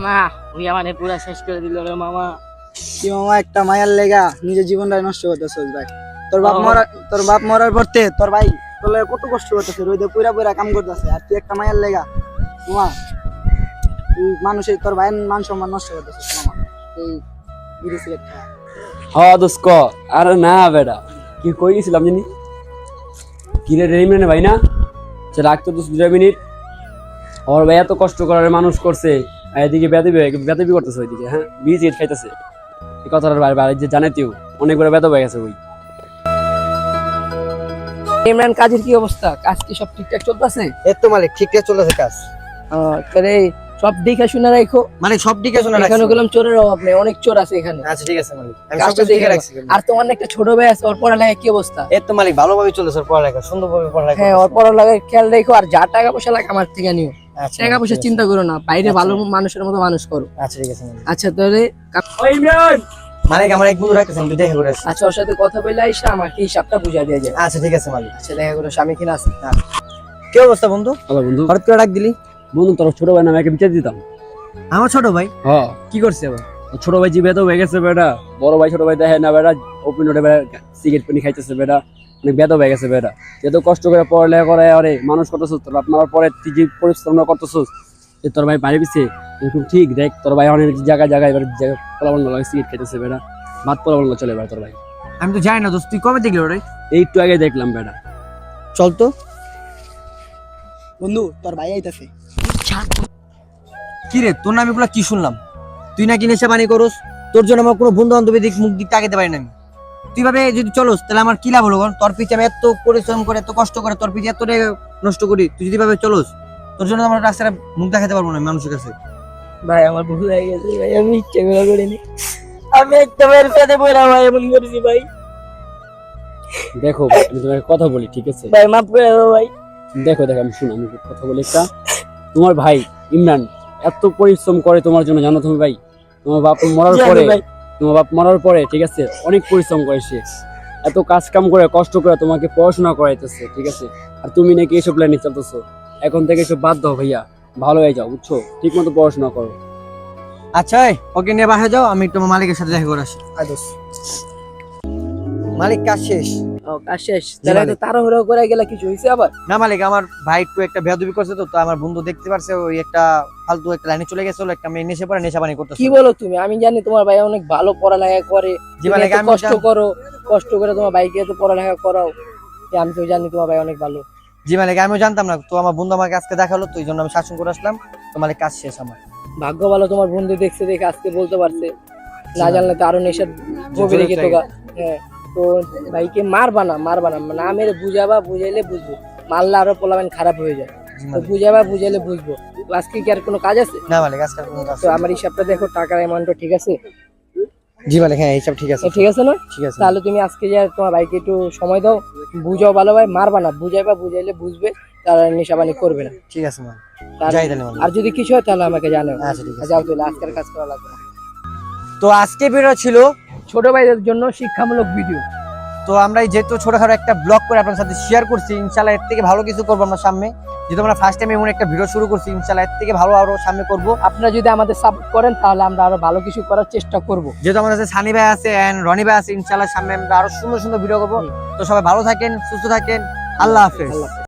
না ওই আমাদের পুরা শেষ করে দিল রে মামা। কি মামা একটা মায়ার লেগা নিজের জীবনটা নষ্ট করতেছস ভাই। তোর বাপ মরার পরতে তোর ভাই তোর লাগা কত কষ্ট করতেছে, রোদে পুরা পুরা কাম করতেছে, আর তুই একটা মায়ার লেগা মামা তুই মানুষের তোর ভাইয়ের মান সম্মান নষ্ট করতেছিস মামা। এই বিড়ি সিগারেট খা। হ্যাঁ দোস্ত আরে না বেটা কি কই গেছিলাম জানি কি রে রেমিনে ভাই না সে রাখতো তো 2 মিনিট। ওর ভাই এত কষ্ট করে মানুষ করছে, আর এদিকে বেদবি করতেছে ওইদিকে। হ্যাঁ বিড়ি সিগারেট খাইতেছে, এই কথাটার বাইরে যে জানে তুই অনেক বড় বেদব হয়ে গেছে ওই। ইমরান কাজের কি অবস্থা? কাজ কি সব ঠিকঠাক চলতেছে? এই তো মালিক ঠিকঠাক চলতেছে কাজ। তাহলে সব দেখে শুনে রাখো। মানে সব দিকে শোনা এখানে গেলাম চোরের অভাব নেই, অনেক চোর আছে এখানে। আচ্ছা ঠিক আছে মালিক, আমি কাজটা সব দেখে রাখছি। আর তোমার না একটা ছোট ভাই আছে, ওর পড়ালেখা কি অবস্থা? এই তো মালিক ভালোভাবে চলেছে, পড়ালেখা সুন্দরভাবে পড়ালেখা। হ্যাঁ ওর পড়ালেখার খেয়াল রাখো, আর যা টাকা পয়সা লাগে আমার থেকে নিও। আচ্ছা টাকা পয়সা চিন্তা করো না, বাইরে ভালো মানুষের মতো মানুষ করো। আচ্ছা ঠিক আছে মালিক। আচ্ছা তাহলে ওই ইমরান মালিক আমার এক বন্ধু রাখতেছেন, তুই দেখা করে আসিস। আচ্ছা ওর সাথে কথা বলে আইসা আমাকে হিসাবটা বুঝা দিয়ে যায়। আচ্ছা ঠিক আছে মালিক। আচ্ছা দেখা করো স্বামী কিনা আছে। কি অবস্থা বন্ধু? হ্যালো বন্ধু। হঠাৎ করে ডাক দিলি? বন্ধু তোর ছোট ভাই নামে বিচার দিতাম। আমার ছোট ভাই হ্যাঁ কি করছে আবার? ছোট ভাই জি বেদব হয়ে গেছে বেটা, বড় ভাই ছোট ভাই দেখে না বেটা, ওপেন রোডে সিগারেট পানি খাইতেছে বেটা, অনেক বেদব হয়ে গেছে বেটা। এত কষ্ট করে পড়ালেখা করে আরে মানুষ করতেছিস, তোর বাপ মারার পরে তুই যে পরিশ্রম করতেছিস, তোর ভাই বাড়ি পিছিয়ে এরকম ঠিক দেখ, তোর ভাই অনেক জায়গায় জায়গায় এবার পোলাবন সিগারেট খাইতেছে বেটা, ভাত পোলাবন চলে বেটা তোর ভাই। আমি তো জানি না দোস্ত, তুই কবে দেখলি ওরে? এই একটু আগে দেখলাম বেটা। চল তো বন্ধু, তোর ভাই আইতাছে। কি রে তোর নামে কি শুনলাম? তুই নাকি নেশা পানি করস, তোর জন্য আমার কোনো বন্ধু বান্ধবী মুখ দিক তাকাতে পারি না আমি। তুই ভাবে যদি চলস তাহলে আমার কি লাভ হলো? তোর পিছে আমি এত পরিশ্রম করে এত কষ্ট করে তোর পিছে এত নষ্ট করি, তুই যদি ভাবে চলস তোর জন্য আমার রাস্তায় মুখ দেখাতে পারবো না মানুষের কাছে। ভাই আমার ভুল হয়ে গেছে ভাই, আমি ইচ্ছে করে করিনি। আমি একটা মেয়ের সাথে পড়া ভাই এমন করেছি ভাই। দেখো আমি তোমাকে কথা বলি ঠিক আছে ভাই মাফ করে দাও ভাই। দেখো আমি শুনো, আমি কথা বলি একটা। তোমার ভাই ইমরান এত পরিশ্রম করে তোমার জন্য, জানো তুমি ভাই? তোমার বাপ মরার পরে ঠিক আছে অনেক পরিশ্রম করে সে, এত কাজ কাম করে কষ্ট করে তোমাকে পড়াশোনা করাইতেছে ঠিক আছে। আর তুমি নাকি এসব লাইনে চলতেছো, এখন থেকে এসব বাদ দাও ভাইয়া, ভালো হয়ে যাও বুঝছো, ঠিক মতো পড়াশোনা করো। আচ্ছা ওকে নিয়ে বাসা যাও, আমি তোমার মালিকের সাথে দেখা করে আসি। মালিক কাজ শেষ। ও কাজ শেষ? তাহলে তো তাড়াহুড়ো করে গেলে কিছু হইছে আবার? না মালিক, আমার ভাই একটু একটা বেয়াদবি করছে, তো আমার বন্ধু দেখতে পারছে ওই একটা ফালতু একটা লাইনে চলে গেছিল, একটা মেয়ে নেশে পড়ে নেশা পানি করতেছে। কি বলো তুমি? আমি জানি তোমার ভাই অনেক ভালো পড়ালেখা করে, জি মালিক, আমি কষ্ট করে তোমার ভাইকে এত পড়ালেখা করাও, আমি তো জানি তোমার ভাই অনেক ভালো। জি মালিক, আমিও জানতাম না, তো আমার বন্ধু আমাকে আজকে দেখালো, তো এই জন্য আমি শাসন করে আসলাম। তো মালিক কাজ শেষ আমার। ভাগ্য ভালো তোমার বন্ধু দেখছে, দেখে আজকে বলতে পারছে, না জানলে তো আরো নেশার গভীরে গেত গা। হ্যাঁ তো ভাইকে মারবা না, না মেরে বুঝাইলে বুঝবো, মারলে আরো পোলাবেন খারাপ হয়ে যায়। তো বুঝাইলে বুঝবো। আজকে কি আর কোনো কাজ আছে? না মালিক আজকে কোনো কাজ। তো আমার হিসাবটা দেখো, টাকার অ্যামাউন্টটা ঠিক আছে? জি মালিক হ্যাঁ হিসাব ঠিক আছে। ঠিক আছে না? ঠিক আছে। তাহলে তুমি আজকে যা তোমার ভাইকে একটু সময় দাও, বুঝাও ভালোভাবে, মারবা না, বুঝাইলে বুঝবে, তারা নেশাবানি করবে না। ঠিক আছে মালিক, যাই তাহলে মালিক। আর যদি কিছু হয় তাহলে আমাকে জানাও। আচ্ছা ঠিক আছে। যাও তাহলে, আজকের কাজ করা লাগবে না। তো আজকে ভিডিও ছিল ছোট ভাইদের জন্য শিক্ষামূলক ভিডিও। তো আমরা যেহেতু ছোটখাটো একটা ব্লগ করে আপনার সাথে শেয়ার করছি, ইনশাআল্লাহ এর থেকে ভালো কিছু করবো আমরা সামনে। যেহেতু আমরা ফার্স্ট টাইম এমন একটা ভিডিও শুরু করছি, ইনশাআল্লাহ এর থেকে ভালো আরো সামনে করবো। আপনারা যদি আমাদের সাপোর্ট করেন তাহলে আমরা আরো ভালো কিছু করার চেষ্টা করব। যেহেতু আমাদের কাছে সানি ভাই আছে এন্ড রনি ভাই আছে, ইনশাআল্লাহ সামনে আমরা আরো সুন্দর সুন্দর ভিডিও করবো। তো সবাই ভালো থাকেন, সুস্থ থাকেন, আল্লাহ হাফেজ।